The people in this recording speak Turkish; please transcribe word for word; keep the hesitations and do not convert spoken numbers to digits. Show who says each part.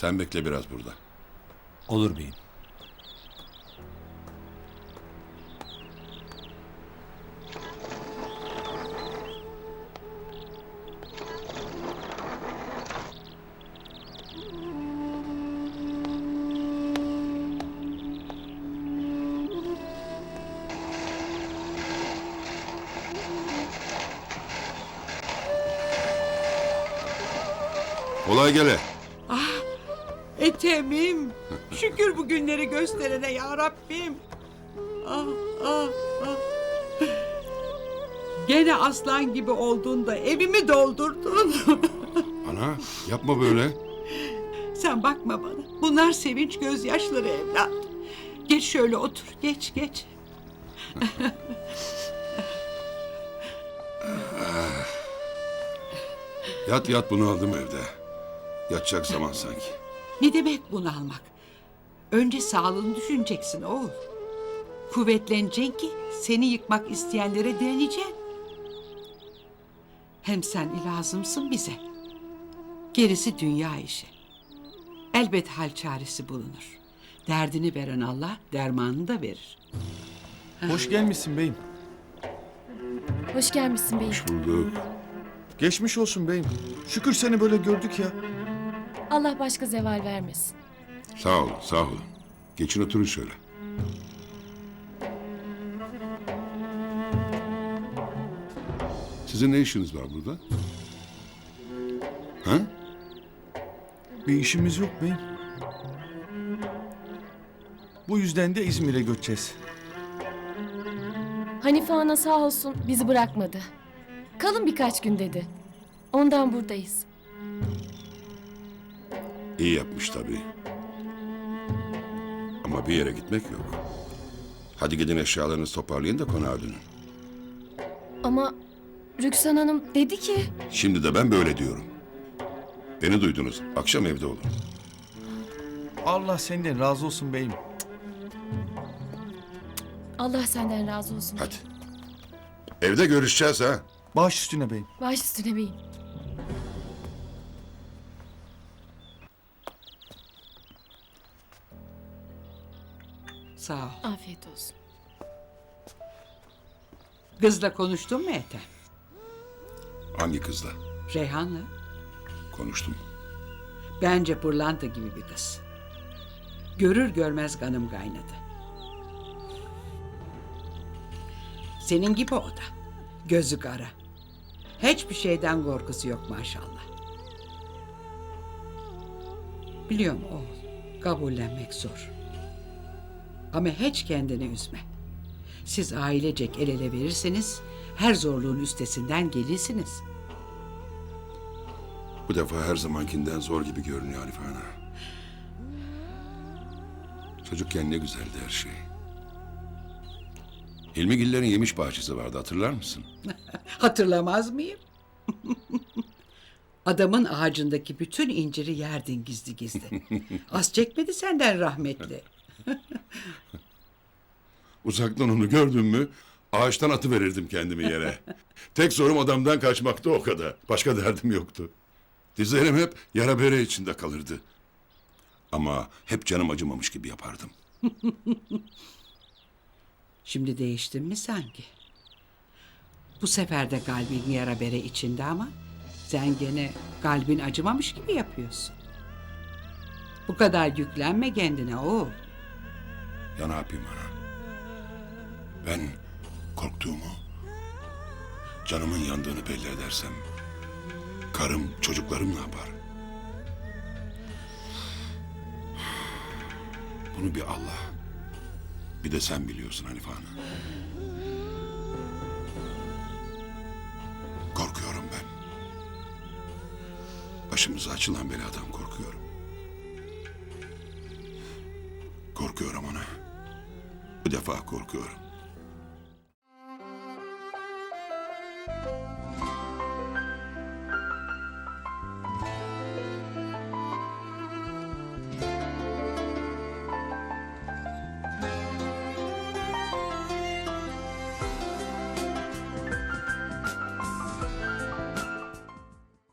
Speaker 1: Sen bekle biraz burada.
Speaker 2: Olur beyim.
Speaker 1: Kolay gele.
Speaker 3: Ethem'im. Şükür bu günleri gösterene ya Rabbim. Ah, ah, ah. Gene aslan gibi oldun da evimi doldurdun.
Speaker 1: Ana yapma böyle.
Speaker 3: Sen bakma bana. Bunlar sevinç gözyaşları evlat. Geç şöyle otur. Geç geç.
Speaker 1: Yat yat, bunu aldım evde. Yatacak zaman sanki.
Speaker 3: Ne demek bunalmak? Önce sağlığını düşüneceksin oğul. Kuvvetleneceksin ki seni yıkmak isteyenlere direneceksin. Hem sen lazımsın bize. Gerisi dünya işi. Elbet hal çaresi bulunur. Derdini veren Allah dermanını da verir.
Speaker 4: Hoş gelmişsin beyim.
Speaker 5: Hoş gelmişsin beyim.
Speaker 1: Bulduk.
Speaker 4: Geçmiş olsun beyim. Şükür seni böyle gördük ya.
Speaker 5: Allah başka zeval vermesin.
Speaker 1: Sağ olun, sağ olun. Geçin oturun şöyle. Sizin ne işiniz var burada? Ha?
Speaker 4: Bir işimiz yok beyim. Bu yüzden de İzmir'e göçeceğiz.
Speaker 5: Hanife ana sağ olsun bizi bırakmadı. Kalın birkaç gün dedi. Ondan buradayız.
Speaker 1: İyi yapmış tabii. Ama bir yere gitmek yok. Hadi gidin, eşyalarınızı toparlayın da konağa dönün.
Speaker 5: Ama Rüksan Hanım dedi ki...
Speaker 1: Şimdi de ben böyle diyorum. Beni duydunuz. Akşam evde olun.
Speaker 4: Allah senden razı olsun beyim.
Speaker 5: Allah senden razı olsun.
Speaker 1: Hadi. Evde görüşeceğiz ha.
Speaker 4: Baş üstüne beyim.
Speaker 5: Baş üstüne beyim.
Speaker 3: Sağ ol.
Speaker 5: Afiyet olsun.
Speaker 3: Kızla konuştun mu Ethem?
Speaker 1: Hangi kızla?
Speaker 3: Reyhan'la.
Speaker 1: Konuştum.
Speaker 3: Bence pırlanta gibi bir kız. Görür görmez kanım kaynadı. Senin gibi o da. Gözü kara. Hiçbir şeyden korkusu yok maşallah. Biliyorum oğul, kabullenmek zor. Ama hiç kendini üzme. Siz ailecek el ele verirseniz her zorluğun üstesinden gelirsiniz.
Speaker 1: Bu defa her zamankinden zor gibi görünüyor Hanife Ana. Çocukken ne güzeldi her şey. Hilmigillerin yemiş bahçesi vardı, hatırlar mısın?
Speaker 3: Hatırlamaz mıyım? Adamın ağacındaki bütün inciri yerdin gizli gizli. Az çekmedi senden rahmetli.
Speaker 1: Uzaktan onu gördüm mü ağaçtan atıverirdim kendimi yere. Tek zorum adamdan kaçmaktı, o kadar. Başka derdim yoktu. Dizlerim hep yara bere içinde kalırdı. Ama hep canım acımamış gibi yapardım.
Speaker 3: Şimdi değiştin mi sanki? Bu sefer de kalbin yara bere içinde ama sen gene kalbin acımamış gibi yapıyorsun. Bu kadar yüklenme kendine oğul.
Speaker 1: Ya ne yapayım ana? Ben korktuğumu, canımın yandığını belli edersem karım, çocuklarım ne yapar? Bunu bir Allah, bir de sen biliyorsun Hanife Ana. Korkuyorum ben. Başımıza açılan beladan korkuyorum. Korkuyorum ana. Bu defa korkuyorum.